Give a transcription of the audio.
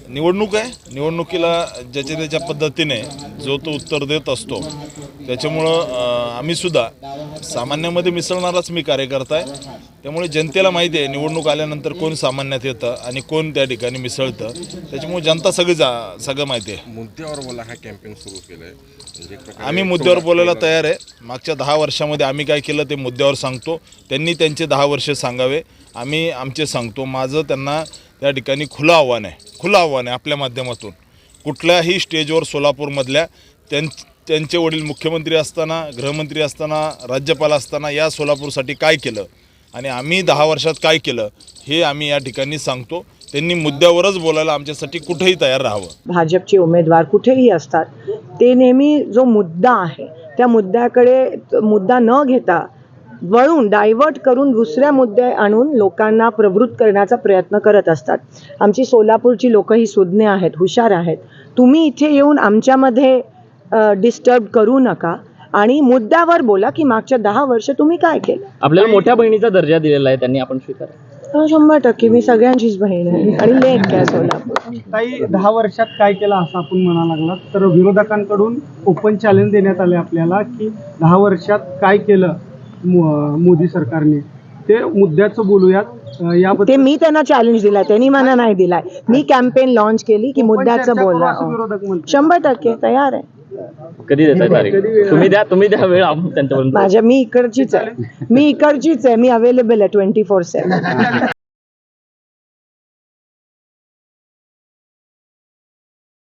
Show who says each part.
Speaker 1: निवडणूक आहे, निवडणुकीला ज्याच्या त्याच्या पद्धतीने जो तो उत्तर देत असतो. त्याच्यामुळं आम्हीसुद्धा सामान्यामध्ये मिसळणाराच मी कार्यकर्ता आहे. त्यामुळे जनतेला माहिती आहे निवडणूक आल्यानंतर कोण सामान्यात येतं आणि कोण त्या ठिकाणी मिसळतं. त्याच्यामुळे जनता सगळं माहिती आहे.
Speaker 2: मुद्द्यावर बोला हा कॅम्पेन सुरू केलं आहे.
Speaker 1: आम्ही मुद्द्यावर बोलायला तयार आहे. मागच्या 10 वर्षामध्ये आम्ही काय केलं ते मुद्द्यावर सांगतो. त्यांनी त्यांचे 10 वर्ष सांगावे, आम्ही आमचे सांगतो. माझं त्यांना त्या ठिकाणी खुलं आव्हान आहे आपल्या माध्यमातून. कुठल्याही स्टेजवर सोलापूरमधल्या त्यांचे वडील मुख्यमंत्री असताना, गृहमंत्री असताना, राज्यपाल असताना या सोलापूरसाठी काय केलं आणि आम्ही 10 वर्षात काय केलं हे आम्ही या ठिकाणी सांगतो. त्यांनी मुद्द्यावरच बोलायला आमच्यासाठी कुठेही तयार राहावं.
Speaker 3: भाजपचे उमेदवार कुठेही असतात ते नेहमी जो मुद्दा आहे त्या मुद्द्याकडे मुद्दा न घेता वळून डायव्हर्ट करून दुसऱ्या मुद्दे आणून लोकांना प्रवृत्त करण्याचा प्रयत्न करत असतात. आमची सोलापूरची लोक ही सुज्ञ आहेत, हुशार आहेत. तुम्ही इथे येऊन आमच्यामध्ये डिस्टर्ब करू नका आणि मुद्द्यावर बोला की मागच्या 10 वर्ष तुम्ही काय केलं.
Speaker 4: आपल्याला मोठ्या बहिणीचा दर्जा दिलेला आहे, त्यांनी आपण स्वीकार
Speaker 3: 100% मी सगळ्यांचीच बहीण आहे आणि लेक काय सोलापूर.
Speaker 5: काही 10 वर्षात काय केलं असं आपण म्हणा लागला तर विरोधकांकडून ओपन चॅलेंज देण्यात आले आपल्याला की 10 वर्षात काय केलं मोदी सरकारने, ते मुद्द्याचं बोलूयात.
Speaker 3: ते मी त्यांना चॅलेंज दिलाय, त्यांनी मला नाही दिलाय. मी कॅम्पेन लॉन्च केली की मुद्द्याचं बोला.
Speaker 5: विरोधक म्हणतात
Speaker 3: 100% तयार आहे.
Speaker 4: कधी देताय तारीख? तुम्ही द्या वेळ, आपण त्यांच्यापर्यंत.
Speaker 3: मी इकडचीच आहे, मी अवेलेबल आहे 24/7.